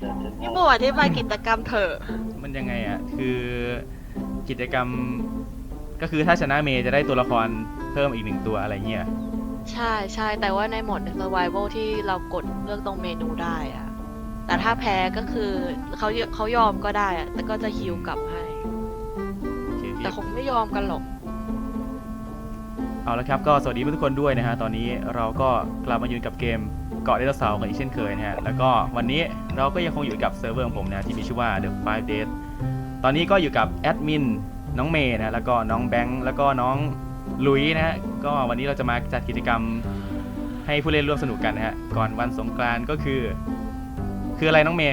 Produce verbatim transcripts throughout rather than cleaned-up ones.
พี่หมูอธิบายกิจกรรมเถอะมันยังไงอ่ะคือกิจกรรมก็คือถ้าชนะเมย์จะได้ตัวละครเพิ่มอีกหนึ่งตัวอะไรเงี้ยใช่ใช่แต่ว่าในโหมด survival ที่เรากดเลือกตรงเมนูได้อะแต่ถ้าแพ้ก็คือเขาเขายอมก็ได้อะแต่ก็จะฮิวกลับให้โอเคแต่คงไม่ยอมกันหรอกเอาละครับก็สวัสดีทุกคนด้วยนะฮะตอนนี้เราก็กลับมาอยู่กับเกมเกาะไดโนเสาร์กันอีกเช่นเคยนะฮะแล้วก็วันนี้เราก็ยังคงอยู่กับเซิร์ฟเวอร์ของผมนะที่มีชื่อว่า The Five Days ตอนนี้ก็อยู่กับแอดมินน้องเมย์นะแล้วก็น้องแบงค์แล้วก็น้องลุยนะฮะก็วันนี้เราจะมาจัดกิจกรรมให้ผู้เล่นร่วมสนุกกันนะฮะก่อนวันสงกรานต์ก็คือคืออะไรน้องเมย์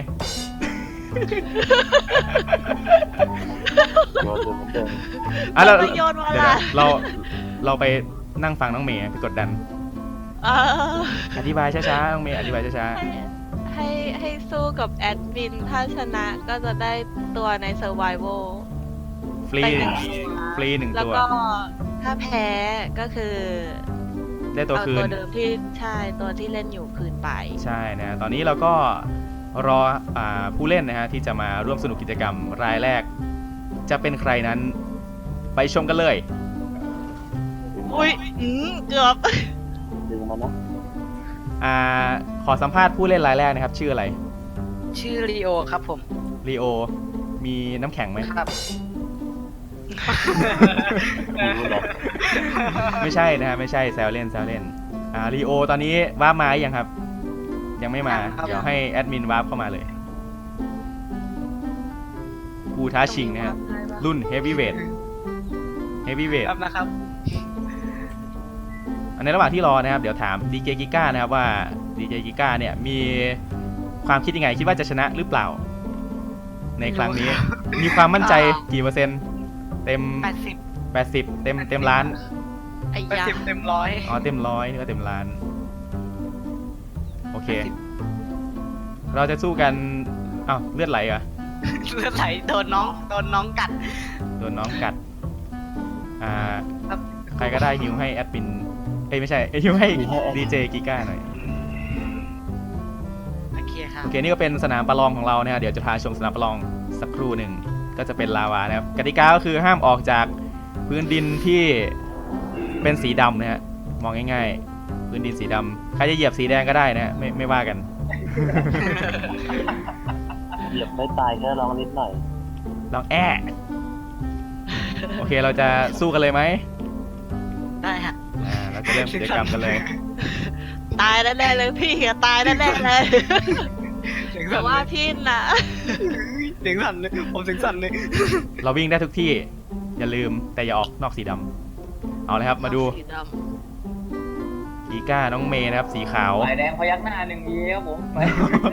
โยนเหมือนเดิมอ่ะเราไม่โยนมาเดี๋ยวล่ะนะเราเราไปนั่งฟังน้องเมย์ไปกดดันเอออธิบายช้าๆน้องเมย์อธิบายช้าให้ให้ให้สู้กับแอดมินถ้าชนะก็จะได้ตัวใน survival ๆฟรีไปหนึ่งฟรีหนึ่งแล้วตัวก็ถ้าแพ้ก็คือได้ตัวเอาคืตัวน เดิมที่ใช่ตัวที่เล่นอยู่คืนไปใช่นะตอนนี้เราก็รออ่าผู้เล่นนะฮะที่จะมาร่วมสนุกกิจกรรมรายแรก จะเป็นใครนั้นไปชมกันเลยอุ้ยอืมเกือบดึงมันนะอ่าขอสัมภาษณ์ผู้เล่นรายแรกนะครับ ชื่ออะไรชื่อลีโอครับผมลีโอมีน้ำแข็งไหมครับดูเลยไม่ใช่นะฮะไม่ใช่แซวเล่นแซวเล่นอ่าลีโอตอนนี้วาร์ปมาหรือยังครับ ยังไม่มายังครับเดี๋ยวให้แอดมินวาร์ปเข้ามาเลยผู้ท้าชิงนะฮะรุ่นเฮฟวีเวทเฮฟวีเวทครับนะครับในระหว่างที่รอนะครับเดี๋ยวถามดีเจกิก้านะครับว่าดีเจกิก้าเนี่ยมีความคิดยังไงคิดว่าจะชนะหรือเปล่า ในครั้งนี้ มีความมั่นใจกี่เปอร์เซ็นต์เต็มแปดสิบแปดสิบเต็มเต็มล้านไอ้แปดยาสิบเต็มร้อยอ๋อเต็มร้อยนี่ก็เต็มล้านโอเค เราจะสู้กันอ้าวเลือดไหลเหรอเลือดไหลโดนน้องโดนน้องกัดโดนน้องกัดอ่าครับใครก็ได้ฮิวให้แอดมินเอ้ยไม่ใช่ฮิวให้ดีเจกิก้าหน่อยโอเคครับโอเคนี่ก็เป็นสนามประลองของเรานะฮะเดี๋ยวจะพาชมสนามประลองสักครู่หนึ่งก็จะเป็นลาวานะครับกติกาก็คือห้ามออกจากพื้นดินที่เป็นสีดำนะฮะมองง่ายๆพื้นดินสีดำใครจะเหยียบสีแดงก็ได้นะฮะไม่ไม่ว่ากันเหยียบไม่ตายแค่ลองนิดหน่อยลองแอะโอเคเราจะสู้กันเลยไหมได้ฮะอ่าเราจะเริ่มกิจกรรมกันเลยตายแน่ๆเลยพี่อะตายแน่ๆเลยเสียงแต่สั่นว่าเลยพี่น่ะเสียงสั่นเลยผมเสียงสั่นเลยเราวิ่งได้ทุกที่อย่าลืมแต่อย่าออกนอกสีดำเอาเลยครับมาดูสีดกีก้าน้องเมย์นะครับสีขาวสายแดงพยักหน้าหนึ่งทีครับผมไป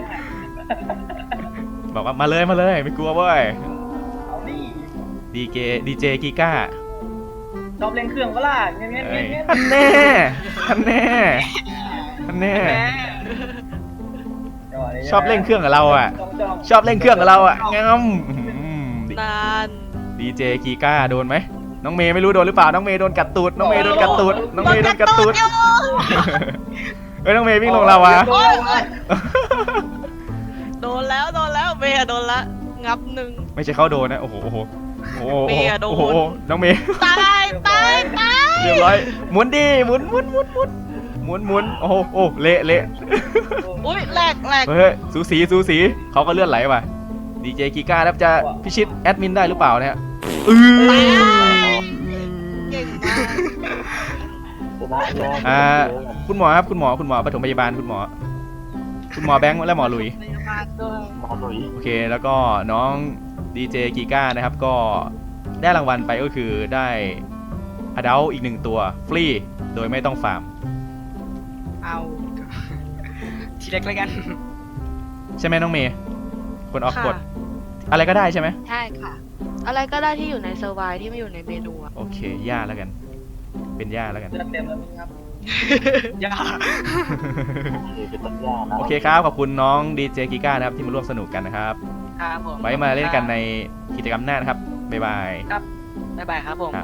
บอกว่ามาเลยมาเลยไม่กลัวเว้ยเอาดิดีเจดีเจกีก้าชอบเล่นเครื่องก็ล่ะเงี้ยเงี้ยเอ้เงี้ยยเงี้ยท่านแน่ท่านแน่ท่านแน่แหมชอบเล่นเครื่องกับเราอ่ะจ้องจ้องชอบเล่นเครื่องกับเราอ่ะงั้มำนานดีเจกีก้าโดนไหมน้องเมย์ไม่รู้โดนหรือเปล่าน้องเมย์โดนกัดตูดน้องเมย์โดนกัดตูดน้องเมย์โดนกัดตูดเฮ้ยน้องเมย์วิ่งลงเราวะโอ๊ยโอ๊ยโดนแล้วโดนแล้วเมียโดนละงับหนึ่งไม่ใช่เขาโดนนะโอ้โหโอ้โหโอ้โหเมย์อะโดนโอ้โหน้องเมย์ตายตายตายเรียบร้อยหมุนดิหมุนหมุนหมุนหมุนหมุนหมุนโอ้โหโอ้เละเละอุ้ยแหลกแหลกเฮ้ยสูสีสูสีเขาก็เลื่อนไหลว่ะดีเจกีก้าครับจะพิชิตแอดมินได้หรือเปล่าเนี่ยอือเก่งมากชนะแน่อ่าคุณหมอครับคุณหมอคุณหมอปฐมพยาบาลคุณหมอ คุณหมอแบงค์และหมอหลุยพยาบาลด้วยหมอหลุยโอเคแล้วก็น้องดีเจกีก้านะครับก็ได้รางวัลไปก็คือได้อดัลอีกหนึ่งตัวฟรีโดยไม่ต้องฟาร์มเอาทีเล็กแล้วกันใช่ไหมน้องเมย์คนออกกฎค่ะอะไรก็ได้ใช่ไหมใช่ค่ะ อะไรก็ได้ที่อยู่ในเซอร์ไวที่ไม่อยู่ในเมนูอะโอเคย่าแล้วกัน เป็นย่าแล้วกันเลือดเต็มแล้วมั้งครับอย่าคือเป็นต้นยานะโอเคครับขอบคุณน้องดีเจกีก้านะครับที่มาร่วมสนุกกันนะครับครับผมไว้มาเล่นกันในกิจกรรมหน้านะครับบ๊ายบายบ๊ายบายครับผมครับ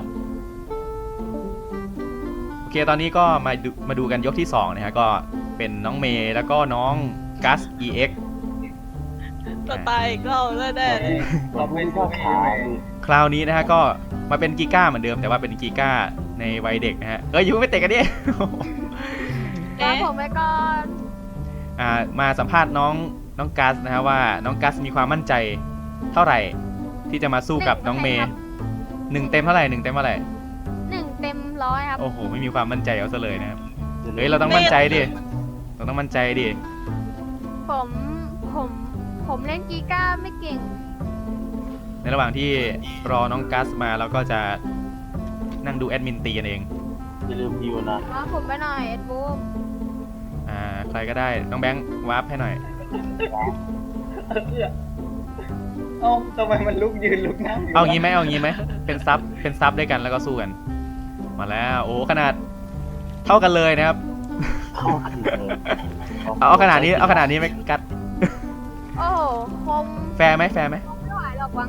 โอเคตอนนี้ก็มาดูมาดูกันยกที่สองนะฮะก็เป็นน้องเมย์แล้วก็น้องกัส อี เอ็กซ์จะตายอีกรอบแล้วแน่เลยเราไม่ชอบขาดิคราวนี้นะฮะก็มาเป็นกีก้าเหมือนเดิมแต่ว่าเป็นกีก้าในวัยเด็กนะฮะเอ้ยอยูไม่เตะกันดิรอเอ๊ะผมไว้ก่อนอ่ามาสัมภาษณ์น้องน้องกัสนะฮะว่าน้องกัสมีความมั่นใจเท่าไหร่ที่จะมาสู้กับน้องเมย์หนึ่งเต็มเท่าไหร่หนึ่งเต็มเท่าไหร่หนึ่งเต็มร้อยครับโอ้โหไม่มีความมั่นใจเอาซะเลยนะครับเฮ้ยเราต้องมั่นใจดิเราต้องมั่นใจดิผมผมผมเล่นกีก้าไม่เก่งในระหว่างที่รอน้องกัสมาเราก็จะนั่งดูแอดมินตีกันเองอย่าลืมฮิวนะรอผมไปหน่อยเอ็ดบูมอ่าใครก็ได้น้องแบงค์วาร์ปให้หน่อยเอ้าทำไมมันลุกยืนลุกนั่งอยู่เอางี้ไหมเอางี้ไหมเป็นซับเป็นซับด้วยกันแล้วก็สู้กัน มาแล้วโอ้ขนาดเท่ากันเลยนะครับเข้ากันเลยเอาเอาขนาดนี้เอาขนาดนี้ไหมกัดโอ้โหคมแฟร์ไหมแฟร์ไหมไม่ไหวหรอกวัง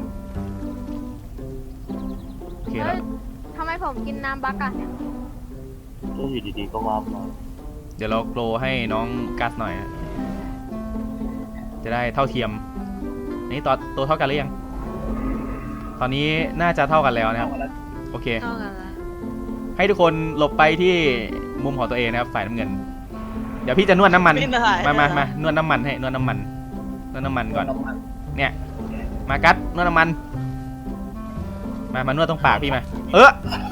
โอเคเฮ้แล้วยทำไมผมกินน้ำบักอะเนี่ยก็อยู่ดีๆก็ว่ามาเดี๋ยวเราโกลให้น้องกัสหน่อยฮะจะได้เท่าเทียมอันนี้ตัวตัวเท่ากันหรือยังตอนนี้น่าจะเท่ากันแล้วนะครับโอเคเท่ากันละให้ทุกคนหลบไปที่มุมของตัวเองนะครับฝ่ายน้ำเงิน เดี๋ยวพี่จะนวดน้ำมันไม่ได้มามามานวดน้ำมันให้นวดน้ำมันนวดน้ำมันก่อนน้ำมันเนี่ยมากัดนวดน้ำมัน มามานวดตรงปากพี่มาเออ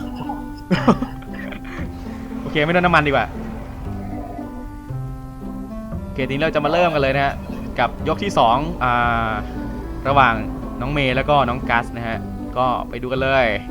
โอเคไม่นวดน้ำมันดีกว่าโอเคทีนี้เราจะมาเริ่มกันเลยนะฮะกับยกที่สองอ่าระหว่างน้องเมย์แล้วก็น้องกัสนะฮะก็ไปดูกันเลย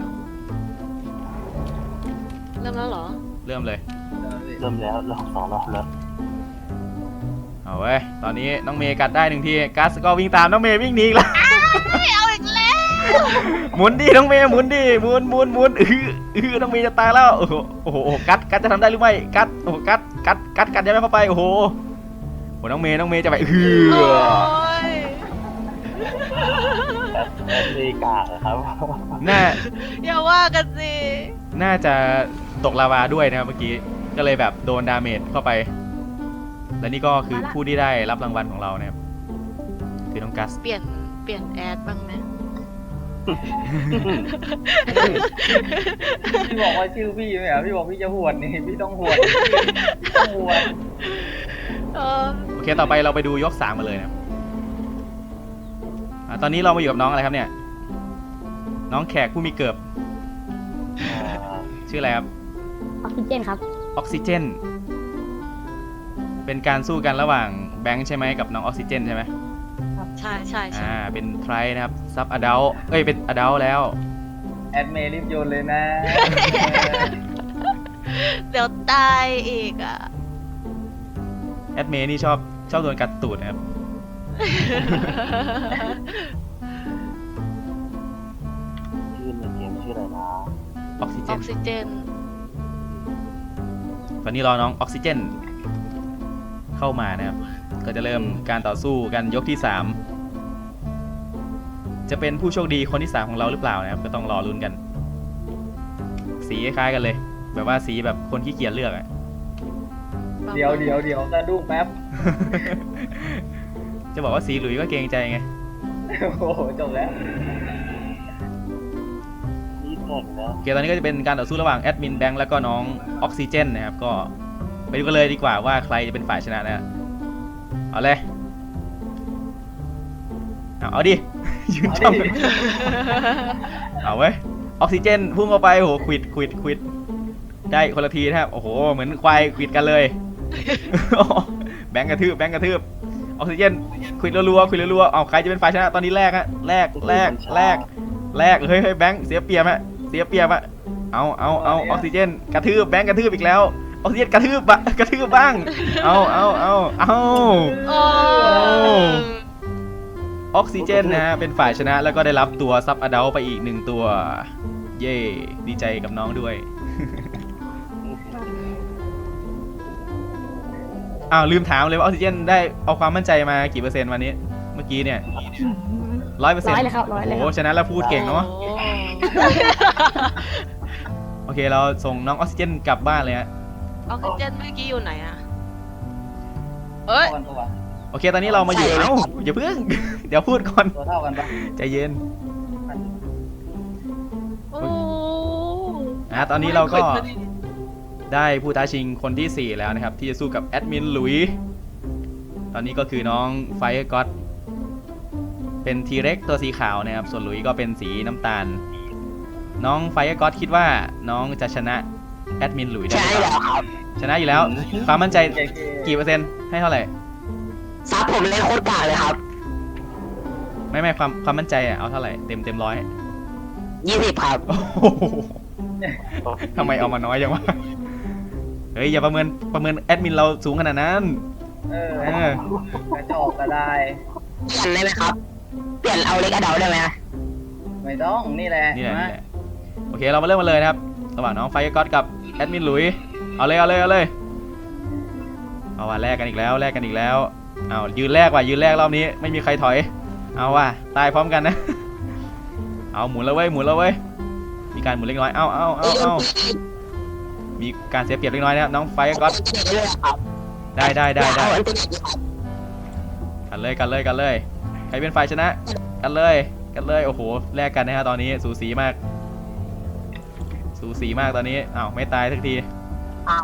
เริ่มแล้วเหรอเริ่มเลยเริ่มแล้วรอบสองรอบแล้วเอาเว้ยตอนนี้น้องเมย์กัดได้หนึ่งทีกัสก็วิ่งตามน้องเมย์วิ่งหนีอีกแล้วเอาอีกแล้วหมุนดิน้องเมย์หมุนดิหมุนหมุนหมุนอืออือน้องเมย์จะตายแล้วโอ้โหโอ้โหกัดกัดจะทำได้หรือไม่กัดโอ้โหกัดกัดกัดกัดยังไม่เข้าไปโอ้โหโอ้น้องเมย์น้องเมย์จะไปอืโอ้อยแอดเลกาครับน่าอย่าว่ากันสิน่าจะตกลาวาด้วยนะครับเมื่อกี้ก็เลยแบบโดนดาเมจเข้าไปและนี่ก็คือผู้ที่ได้รับรางวัลของเรานะครับคือน้องกัสเปลี่ยนเปลี่ยนแอดบ้างไหมพี่บอกว่าชื่อพี่ไหมอ่ะพี่บอกพี่จะหวดนี่พี่ต้องหวดต้องหวดเออโอเคต่อไปเราไปดูยกสามมาเลยนะครับอ่าตอนนี้เรามาอยู่กับน้องอะไรครับเนี่ยน้องแขกผู้มีเกิบอ่าชื่ออะไรครับออกซิเจนครับออกซิเจน เป็นการสู้กันระหว่างแบงค์ใช่ไหมกับน้องออกซิเจนใช่ไหมใช่ใช่ใช่อ่า เป็นไทรนะครับ ซับอดัลเอ้ย เป็นอดัลแล้วแอดเมย์รีบโยนเลยนะเดี๋ยวตายอีกอ่ะแอดเมนี่ชอบชอบโดนกัดตูดนะครับชื่อในเกมชื่ออะไรนะออกซิเจอน อกซิเจนตอนนี้รอน้องออกซิเจน เข้ามานะครับ ก็จะเริ่มการต่อสู้กันยกที่สาม จะเป็นผู้โชคดีคนที่สามของเราหรือเปล่านะครับ ก็ต้องรอลุ้นกัน สีคล้ายๆกันเลย แบบว่าสีแบบคนขี้เกียจเลือกอะเดี๋ยวเดี๋ยวเดี๋ยวสะดุ้งแป๊บจะบอกว่าสีหลุยก็เกรงใจไงโอ้โหจบแล้วนี่แข่งนะโอเคตอนนี้ก็จะเป็นการต่อสู้ระหว่างแอดมินแบงค์แล้วก็น้องออกซิเจนนะครับ ก็ไปดูกันเลยดีกว่าว่าใครจะเป็นฝ่ายชนะนะ เอาเลย เอาเอาดิ ยืนเอาจ้องดิเอาเว้ย ออกซิเจนพุ่งเข้าไปโอ้โหควิดควิดควิดได้คนละทีนะครับ โอ้โห เหมือนควายควิดกันเลย แบงค์กระทืบแบงค์กระทืบ ออกซิเจนควิดรัวๆควิดรัวๆเอาใครจะเป็นฝ่ายชนะตอนนี้แรกฮะแรกแรกแรก แรกเฮ้ยเฮ้ยแบงค์เสียเปรียบฮะเสียเปรียบอะเอาเอาเอาออกซิเจนกระทืบแบงค์กระทืบอีกแล้วออกซิเจนกระทืบอะกระทืบบ้างเอาเอาเอาเอาโอ้ออกซิเจนนะฮะเป็นฝ่ายชนะแล้วก็ได้รับตัวซับอดัลไปอีกหนึ่งตัว เย่ดีใจกับน้องด้วย อ้าวลืมถามเลยว่าออกซิเจนได้เอาความมั่นใจมากี่เปอร์เซ็นต์วันนี้เมื่อกี้เนี่ยร้อยเปอร์เซ็นต์ร้อยเลยครับร้อยเลยครับโอ้ชนะแล้วพูดเก่งเนาะโอ้โอเคเราส่งน้องออกซิเจนกลับบ้านเลยฮะออกซิเจนเมื่อกี้อยู่ไหนอ่ะเอ้ยก่อนตัวอโอเค ตอนนี้เรามาอยู่ เอ้า อย่าเพิ่ง เดี๋ยวพูดก่อนตัวเท่ากันปะใจเย็นโอ้อ่ะตอนนี้เราก็ไม่คยได้ผู้ท้าชิงคนที่สี่แล้วนะครับ ที่จะสู้กับแอดมินหลุย ตอนนี้ก็คือน้องไฟก็อตเป็นทีเร็กตัวสีขาวนะครับ ส่วนหลุยก็เป็นสีน้ำตาล น้องไฟก็อตคิดว่าน้องจะชนะแอดมินหลุยได้หรือเปล่าชนะอยู่แล้ว ความมั่นใจเจ๊ๆกี่เปอร์เซ็นต์ให้เท่าไหร่ซับผมเล่นโคตรกากเลยครับไม่ไม่ความความมั่นใจอ่ะเอาเท่าไหร่เต็มเต็มร้อยยี่สิบครับโอ้โหทำไมเอามาน้อยจังวะเฮ้ยอย่าประเมินประเมินแอดมินเราสูงขนาดนั้นเออเออกระจอกก็ได้เปลี่ยนได้ไหมครับ เปลี่ยนเอาเล็กอะเดาได้ไหมไม่ต้องนี่แหละนี่แหละมานี่แหละโอเคเรามาเริ่มกันเลยนะครับระหว่างน้องไฟก็อตกับแอดมินหลุยเอาเลยเอาเลยเอาเลยเอาว่ะแลกกันอีกแล้วแลกกันอีกแล้วเอายืนแรกว่ะยืนแรกรอบนี้ไม่มีใครถอยเอาว่ะตายพร้อมกันนะเอาหมุนแล้วเว้ยหมุนแล้วเว้ยมีการหมุนเล็กน้อยเอาเอาเอาเอามีการเสียเปรียบเล็กน้อยนะครับน้องไฟก็อต ได้ได้ได้ได้กันเลยกันเลยกันเลย ใครเป็นฝ่ายชนะ กันเลยกันเลยโอ้โหแลกกันนะฮะตอนนี้สูสีมาก สูสีมากตอนนี้อ้าวไม่ตายสักทีอ้าว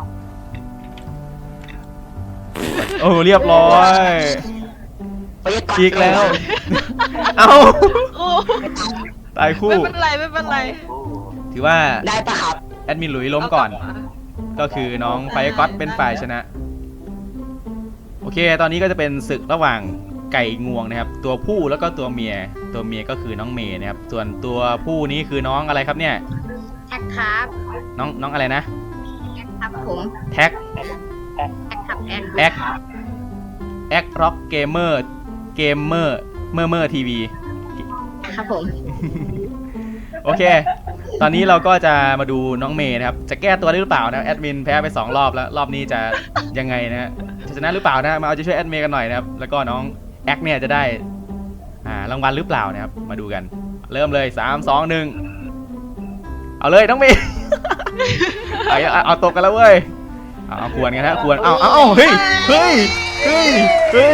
โอ้เรียบร้อยไปยึดก่อนฉีกแล้ว เอ้าโอ้ตายคู่ไม่เป็นไรไม่เป็นไรถือว่าได้ปะครับแอดมินหลุยล้มก่อนเากลับมาก็คือน้องไฟก็อตเป็นฝ่ายชนะ โอเค ตอนนี้ก็จะเป็นศึกระหว่างไก่งวงนะครับ ตัวผู้แล้วก็ตัวเมีย ตัวเมียก็คือน้องเมย์นะครับ ส่วนตัวผู้นี้คือน้องอะไรครับเนี่ยแอคครับน้องน้องอะไรนะแอคครับผมแท็กแอคครับแอคแอคแอคร็อกเกมเมอร์เกมเมอร์เมอร์เมอร์ทีวีครับผมโอเค ตอนนี้เราก็จะมาดูน้องเมย์นะครับ จะแก้ตัวได้หรือเปล่านะแอดมินแพ้ไปสองรอบแล้ว รอบนี้จะยังไงนะฮะจะชนะหรือเปล่านะมาเอาใจช่วยแอดเมย์กันหน่อยนะครับ แล้วก็น้องแอคเนี่ยจะได้อ่ารางวัลหรือเปล่านะครับ มาดูกัน เริ่มเลยสามสองหนึ่งเอาเลยน้องเมย์ เอาเอาเอาตกกันแล้วเว้ยเอาเอาควรกันฮะควรเอาเอาเอาเฮ้ยเฮ้ยเฮ้ยเฮ้ย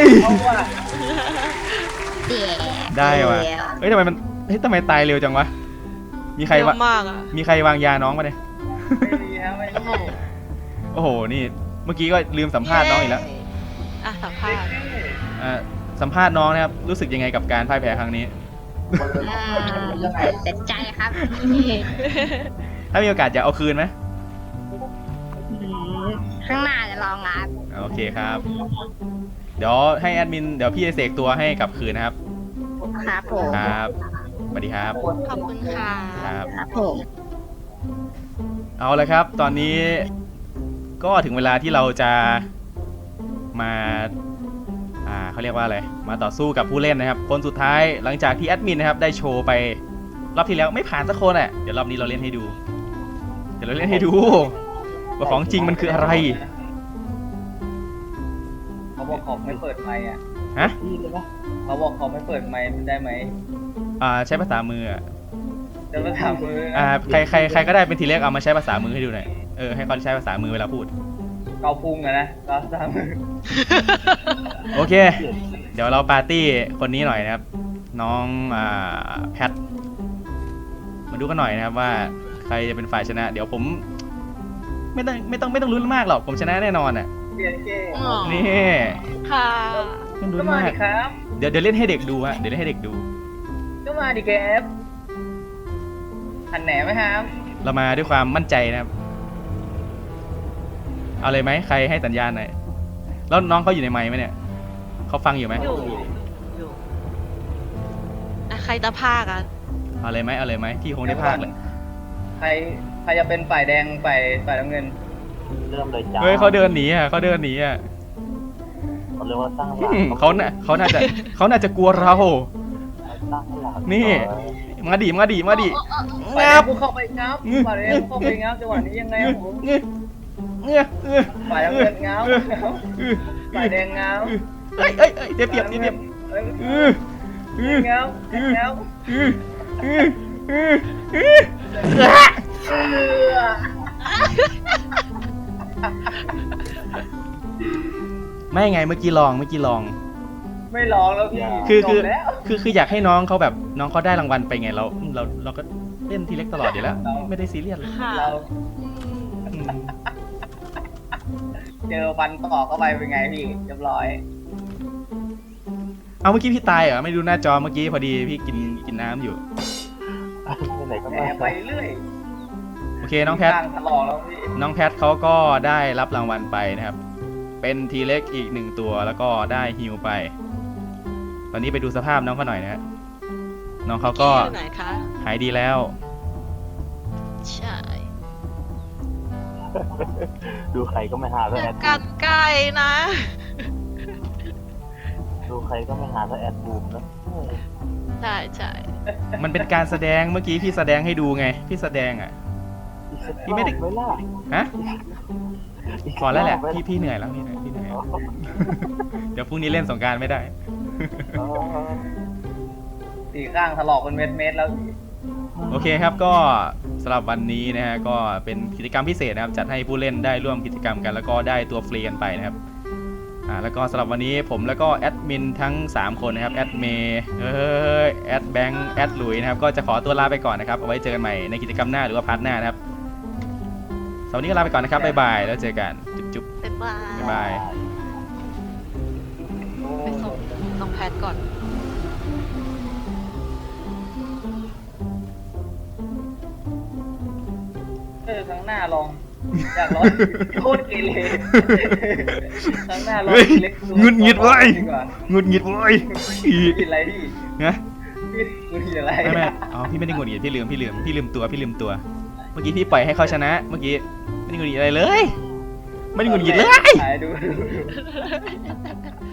เดี๋ยวได้ว่ะ เฮ้ยทำไมมันเฮ้ยทำไมตายเร็วจังวะ มีใครเยวะอะมากอ่ะมีใครวางยาน้องมาเนี่ยไม่มีฮะไม่โอ้โหมีโอ้โห นี่ เมื่อกี้ก็ลืมสัมภาษณ์น้องอีกแล้วอ่ะสัมภาษณ์อ่าสัมภาษณ์น้องนะครับ รู้สึกยังไงกับการพ่ายแพ้ครั้งนี้อ่าเสียใจครับถ้ามีโอกาสจะเอาคืนไหมอืมข้างหน้าจะลองรับโอเคครับ เดี๋ยวให้แอดมิน เดี๋ยวพี่จะเสกตัวให้กลับคืนนะครับครับผมครับ สวัสดีครับขอบคุณค่ะครับครับผมเอาละครับ ตอนนี้ก็ถึงเวลาที่เราจะมา อ่าเขาเรียกว่าอะไร มาต่อสู้กับผู้เล่นนะครับ คนสุดท้ายหลังจากที่แอดมินนะครับได้โชว์ไปรอบที่แล้วไม่ผ่านสักคนอ่ะ เดี๋ยวรอบนี้เราเล่นให้ดู เดี๋ยวเราเล่นให้ดูว่าของจริงมันคืออะไรเขาบอกเขาไม่เปิดไมค์อ่ะฮะเขาบอกเขาไม่เปิดไมค์ได้ไหมอ่าใช้ภาษามืออ่ะจะมาถามมืออ่าใครใครใครก็ได้เป็นทีเล็กเอามาใช้ภาษามือให้ดูหน่อย เออให้เขาใช้ภาษามือเวลาพูดเกาพุงอะนะเกาถามมือโอเค เดี๋ยวเราปาร์ตี้คนนี้หน่อยนะครับ น้องอ่าแพท มาดูกันหน่อยนะครับว่าใครจะเป็นฝ่ายชนะ เดี๋ยวผม ไม่ต้องไม่ต้องไม่ต้องลุ้นมากหรอก ผมชนะแน่นอนอ่ะเปลี่ยนเกมอ๋อนี่ค่ะไม่ต้องลุ้ก็นมามาดิกครับเดี๋ยวเดี๋ยวเล่นให้เด็กดูฮะ เดี๋ยวเล่นให้เด็กดูก็มาดิแกฟหันแหนไหมครับเรามาด้วยความมั่นใจนะครับ เอาเลยไหมใครให้สัญญาณหน่อย แล้วน้องเขาอยู่ในไมค์ไหมเนี่ย เขาฟังอยู่ไหมอยู่อยู่อ่ะใครจะพากอ่ะเอาเลยไหมเอาเลยไหมพี่คงได้พากเลยใครใครจะเป็นฝ่ายแดงฝ่ายฝ่ายน้ำเงินเริ่มเลยจ้าเฮ้ยเขาเดินหนีอ่ะเขาเดินหนีอ่ะเขาเรียกว่าสร้างหอืลักมเขาน่ะเขาน่าจะเขาน่าจะกลัวเราสร้างหลักนี่ มาดิมาดิมาดิฝ่ายแดงังบกูเข้าไปงับงึฝ่ายแดงกูเข้าไปงับจังหวะนี้ยังไงครับผมเงี้ยเงี้ยเงี้ยฝ่ายน้ำเงินงับงับฝ่ายแดงงับเอ้ยเอ้ยเอ้ยเดี๋ยวเปรียบเดี๋ยวเปรียบเอ้ยเออเอองับงับเออเออเออเออเออไม่ไงเมื่อกี้ลองเมื่อกี้ลองไม่ร้องแล้วพี่คือคือจบแล้วคือคืออยากให้น้องเขาแบบน้องเขาได้รางวัลไปไงเราเราเราก็เล่นทีเล็กตลอดอยู่แล้วไม่ได้ซีเรียสเลยค่ะเราอืมเจอฟันต่อเข้าไปเป็นไงพี่เรียบร้อยเอาเมื่อกี้พี่ตายเหรอไม่ดูหน้าจอเมื่อกี้พอดีพี่กินกินน้ำอยู่ไปไหนก็แหไม่มไปเรื่อยโอเคน้องแพทข้างถลอกแล้วพี่น้องแพทเขาก็ได้รับรางวัลไปนะครับ เป็นทีเล็กอีกหนึ่งตัวแล้วก็ได้ฮิวไป ตอนนี้ไปดูสภาพน้องเขาหน่อยนะฮะน้องเขาก็อยู่ไหนคะหายดีแล้วใช่ดูใครก็ไม่หาเท่าอแอย่าดกัดไก่นะดูใครก็ไม่หาเท่าแอดบูมนะใช่ใช่มันเป็นการแสดงเมื่อกี้พี่แสดงให้ดูไง พี่แสดงอ่ะ พี่ไม่ได้ไม่ล่ะฮะพอแล้วแหละพี่พี่เหนื่อยแล้วพี่เหนื่อยพี่เหนื่อยแล้วเดี๋ยวพรุ่งนี้เล่นสงกรารไม่ได้เออสี่ข้างถลอกเป็นเม็ดเม็ดๆแล้วพี่โอเคครับก็สำหรับวันนี้นะฮะก็เป็นกิจกรรมพิเศษนะครับจัดให้ผู้เล่นได้ร่วมกิจกรรมกัน แล้วก็ได้ตัวฟรีกันไปนะครับอ่าแล้วก็สำหรับวันนี้ผมแล้วก็แอดมินทั้งสามคนนะครับแอดเมย์เอ้ยแอดแบงค์แอดหลุยนะครับก็จะขอตัวลาไปก่อนนะครับเอาไว้เจอกันใหม่ในกิจกรรมหน้าหรือว่าพาร์ทหน้านะครับสำหรับวันนี้ก็ลาไปก่อนนะครับบ๊ายบายแล้วเจอกันจุ๊บบ๊ายบายๆบ๊ายบายไปส่งน้องแพทก่อนเออครั้งหน้าลองอยากลองโคตรเกเรครั้งหน้าลองเฮ้ยเล็กตัวหงุดหงิดเว้ยดีกว่าหงุดหงิดเว้ยผิดอะไรพี่นะพี่หงุดหงิดอะไรไม่ไม่อ๋อพี่ไม่ได้หงุดหงิดพี่ลืมพี่ลืมพี่ลืมตัวพี่ลืมตัว เมื่อกี้พี่ปล่อยให้เขาชนะ เมื่อกี้ไม่ได้หงุดหงิดอะไรเลย ไม่ได้หงุดหงิดเลยถ่ายดู